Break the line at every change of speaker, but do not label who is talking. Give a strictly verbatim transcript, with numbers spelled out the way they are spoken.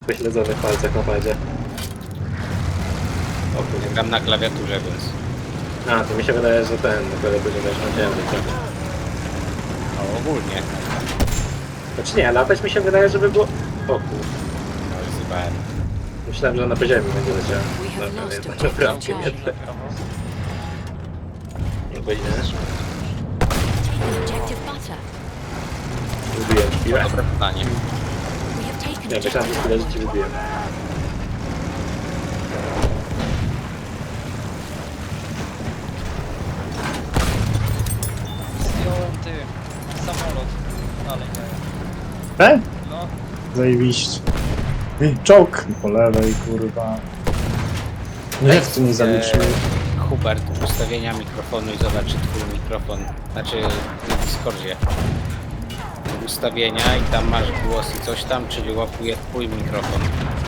Wyśledzonych palcach na padzie. O kurde.
Gram na klawiaturze, więc...
A, to mi się wydaje, że ten, na klawiaturze będziesz musiałem trochę.
No ogólnie.
Znaczy nie, latać mi się wydaje, żeby było... O kurde.
No już zjebałem.
Myślałem, że na poziomie będzie leciał.
We have
Dobra,
lost
nie,
objective
naprawdę
Charlie.
nie. Nie powinieneś.
Objective butter.
Wybiłem chwilę.
Dobre pytanie.
We have taken
Nie, myślałem, że
objective
chwilę, że ci wybiłem.
Zdjąłem ty samolot. Dalej nie.
E?
No,
Zajebiście. Ej, czołg po lewej, kurwa. Nie, jak to nie zaliczyły.
Eee, Hubert, ustawienia mikrofonu i zobacz, czy twój mikrofon, znaczy na Discordzie. Ustawienia i tam masz głos i coś tam, czyli łapuje twój mikrofon.